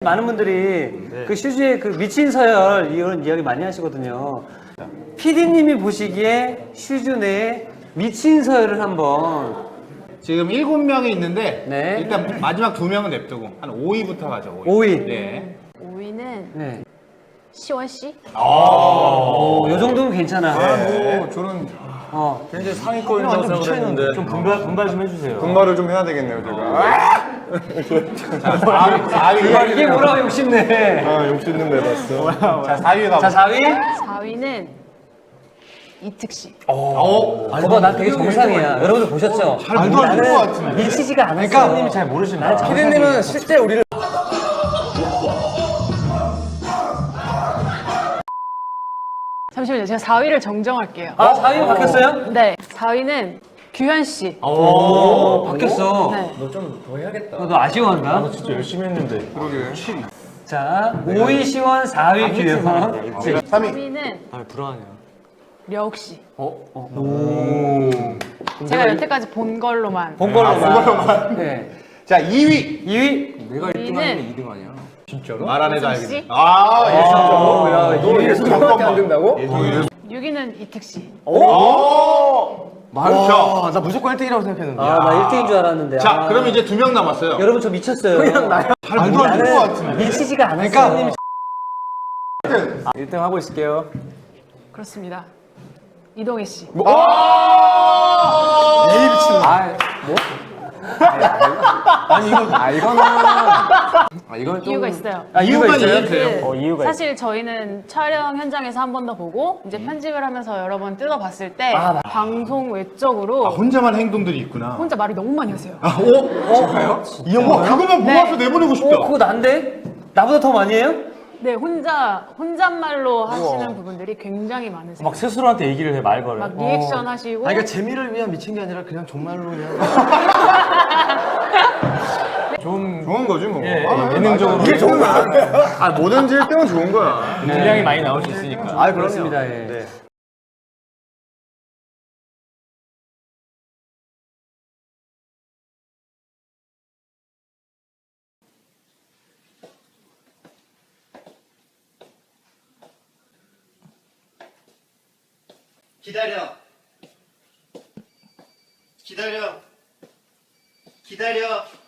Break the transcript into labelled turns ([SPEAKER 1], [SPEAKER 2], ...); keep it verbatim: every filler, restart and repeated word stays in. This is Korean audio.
[SPEAKER 1] 많은 분들이 네. 그 슈즈의 그 미친 서열 이런 이야기 많이 하시거든요. 피디님이 보시기에 슈즈 내에 미친 서열을 한번.
[SPEAKER 2] 지금 일곱 명이 있는데
[SPEAKER 1] 네.
[SPEAKER 2] 일단 마지막 두 명은 냅두고 한 오 위부터 가죠.
[SPEAKER 1] 오 위.
[SPEAKER 2] 네.
[SPEAKER 3] 오 위는
[SPEAKER 1] 네.
[SPEAKER 3] 시원 씨.
[SPEAKER 1] 오, 요 정도면 괜찮아.
[SPEAKER 4] 아, 뭐 저는
[SPEAKER 1] 어.
[SPEAKER 4] 굉장히 상위권이라고 생각했는데
[SPEAKER 5] 좀 분발, 분발 좀 해주세요.
[SPEAKER 4] 분발을 좀 해야 되겠네요, 제가.
[SPEAKER 2] 사 위.
[SPEAKER 1] 이게 뭐라고 욕심내.
[SPEAKER 4] 아, 욕심는 내봤어.
[SPEAKER 2] 자, 사 위가
[SPEAKER 1] 자, 사 위.
[SPEAKER 3] 사 위는 이특 씨.
[SPEAKER 2] 어.
[SPEAKER 1] 그거 난 되게 정상이야. 여러분들 보셨죠?
[SPEAKER 2] 잘 말도 안 되는 것 같은데.
[SPEAKER 1] 미치지가 않았어.
[SPEAKER 5] 피디님이 잘 모르시나?
[SPEAKER 4] 피디님은 실제 우리를
[SPEAKER 3] 잠시만요. 제가 사 위를 정정할게요.
[SPEAKER 1] 아, 사 위 바뀌었어요?
[SPEAKER 3] 네. 사 위는 규현 씨.
[SPEAKER 1] 오, 바뀌었어.
[SPEAKER 3] 네.
[SPEAKER 4] 너 좀 더 해야겠다.
[SPEAKER 1] 너 아쉬워한다.
[SPEAKER 5] 나 진짜 열심히 했는데.
[SPEAKER 4] 그러게.
[SPEAKER 1] 자, 오 위 시원, 사 위 규현.
[SPEAKER 2] 삼
[SPEAKER 3] 삼
[SPEAKER 2] 위.
[SPEAKER 3] 위는
[SPEAKER 5] 아, 불안해요.
[SPEAKER 3] 려욱 씨.
[SPEAKER 1] 어? 어? 오.
[SPEAKER 3] 제가 여태까지 본 걸로만.
[SPEAKER 1] 본 걸로만.
[SPEAKER 2] 본 걸로만.
[SPEAKER 1] 네.
[SPEAKER 2] 자, 이 위.
[SPEAKER 1] 이 위.
[SPEAKER 5] 내가
[SPEAKER 3] 이 위는
[SPEAKER 5] 이 등 아니야? 진짜로?
[SPEAKER 2] 말 안 해도
[SPEAKER 3] 이승
[SPEAKER 2] 알겠네.
[SPEAKER 3] 씨?
[SPEAKER 2] 아, 예.
[SPEAKER 1] 아, 야,
[SPEAKER 4] 너 예술 정도밖에 안 된다고?
[SPEAKER 3] 육 위는 이특 씨.
[SPEAKER 2] 오!
[SPEAKER 5] 와, 나 무조건 일 등이라고 생각했는데.
[SPEAKER 1] 아, 나 일 등인 줄 알았는데.
[SPEAKER 2] 자,
[SPEAKER 1] 아.
[SPEAKER 2] 그럼 이제 두 명 남았어요.
[SPEAKER 1] 여러분 저 미쳤어요. 그냥 나요.
[SPEAKER 2] 잘 말도 안 되는 것 같은데.
[SPEAKER 1] 미치지가 않았어.
[SPEAKER 2] 그러니까.
[SPEAKER 5] 일 등 하고 있을게요.
[SPEAKER 3] 그렇습니다. 이동희 씨.
[SPEAKER 4] 에이, 미친.
[SPEAKER 5] 아, 뭐? 아니, 이거, 아, 이거는. 아, 이건 좀.
[SPEAKER 3] 이유가 있어요.
[SPEAKER 1] 아, 이유가
[SPEAKER 2] 이유만
[SPEAKER 1] 있어요?
[SPEAKER 2] 이해해주세요.
[SPEAKER 3] 그
[SPEAKER 5] 어, 이유가
[SPEAKER 3] 사실 저희는 촬영 현장에서 한 번 더 보고 이제 편집을 하면서 여러 번 뜯어봤을 때
[SPEAKER 1] 아, 맞-
[SPEAKER 3] 방송 외적으로
[SPEAKER 2] 아, 혼자만 행동들이 있구나.
[SPEAKER 3] 혼자 말이 너무 많이 하세요.
[SPEAKER 2] 아, 오? 어? 이 형, 그거만
[SPEAKER 3] 네.
[SPEAKER 2] 모아서 내보내고 싶다.
[SPEAKER 1] 어, 그거 난데? 나보다 더 많이 해요?
[SPEAKER 3] 네, 혼자 혼잣말로 하시는 부분들이 굉장히 많으세요.
[SPEAKER 5] 막 스스로한테 얘기를 해, 말 걸어.
[SPEAKER 3] 막 리액션 하시고
[SPEAKER 5] 아, 그러니까 재미를 위한 미친 게 아니라 그냥 정말로 그냥. 좀
[SPEAKER 4] 좋은 거지, 뭐.
[SPEAKER 5] 예,
[SPEAKER 4] 아,
[SPEAKER 5] 예능적으로.
[SPEAKER 4] 맞아. 이게 좋은 거야. 아, 뭐든지 일 등은 좋은 거야.
[SPEAKER 5] 분량이 많이 나올 수 있으니까.
[SPEAKER 1] 아, 그렇습니다. 예.
[SPEAKER 5] 네.
[SPEAKER 6] 기다려. 기다려. 기다려.